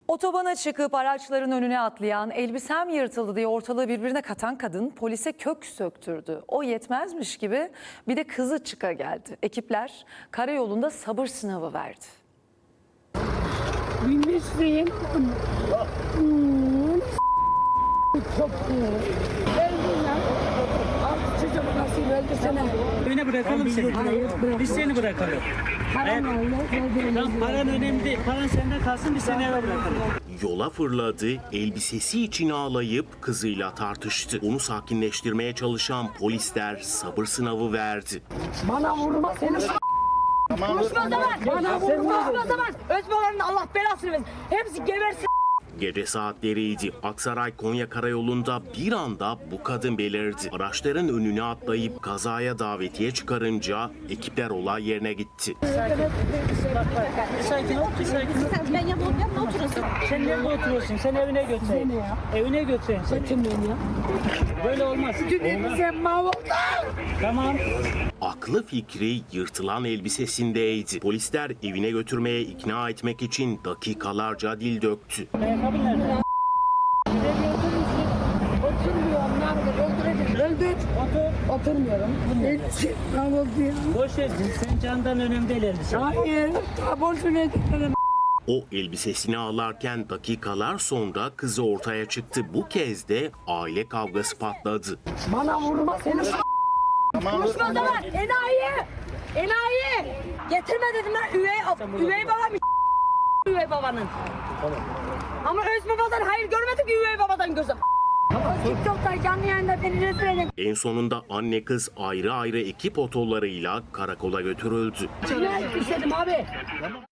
Otobana çıkıp araçların önüne atlayan, elbisem yırtıldı diye ortalığı birbirine katan kadın polise kök söktürdü. O yetmezmiş gibi bir de kızı çıka geldi. Ekipler karayolunda sabır sınavı verdi. Bilmişsin. Çok iyi. Geldin lan. Artık çocuğum nasıl öldü sana. Evine bırakalım seni. Hayır, bırak. Biz seni bırakalım. Paran var ya. Tamam, paran önemli değil. Paran sende kalsın, biz seni eve bırakalım. Yola fırladı, elbisesi için ağlayıp kızıyla tartıştı. Onu sakinleştirmeye çalışan polisler sabır sınavı verdi. Bana vurma seni. Konuşma o zaman. Bana vurma. Konuşma o zaman. Özbabanın Allah belasını versin. Hepsi gebersin. Gece saatleriydi. Aksaray-Konya karayolunda bir anda bu kadın belirdi. Araçların önüne atlayıp kazaya davetiye çıkarınca ekipler olay yerine gitti. Bir sakin ol, bir sakin ol. Ben yanına oturursun. Sen nerede oturuyorsun? Sen evine götüreyim. Evine götüreyim seni. Götürmeyin ya. Böyle olmaz. Olmaz. Sen mahvoldun. Tamam. Aklı fikri yırtılan elbisesindeydi. Polisler evine götürmeye ikna etmek için dakikalarca dil döktü. Ayakkabın nerede? Oturmuyorum. Nerede? Öldürecek. Öldür. Otur. Oturmuyorum. Elbise mahvoldu ya. Boş ver. Sen candan önemli değil elbise. Hayır. Boşuna gitmedim. O elbisesini ağlarken dakikalar sonra kızı ortaya çıktı. Bu kez de aile kavgası patladı. Bana vurma seni. Konuşma o zaman. Enayi. Enayi. Getirme dedim lan. Üvey babam üvey babanın. Ama öz babadan hayır görmedik ki üvey babadan gözüm. TikTok'ta canlı yayında beni rezil edin. En sonunda anne kız ayrı ayrı ekip otolarıyla karakola götürüldü. Ne istedim abi?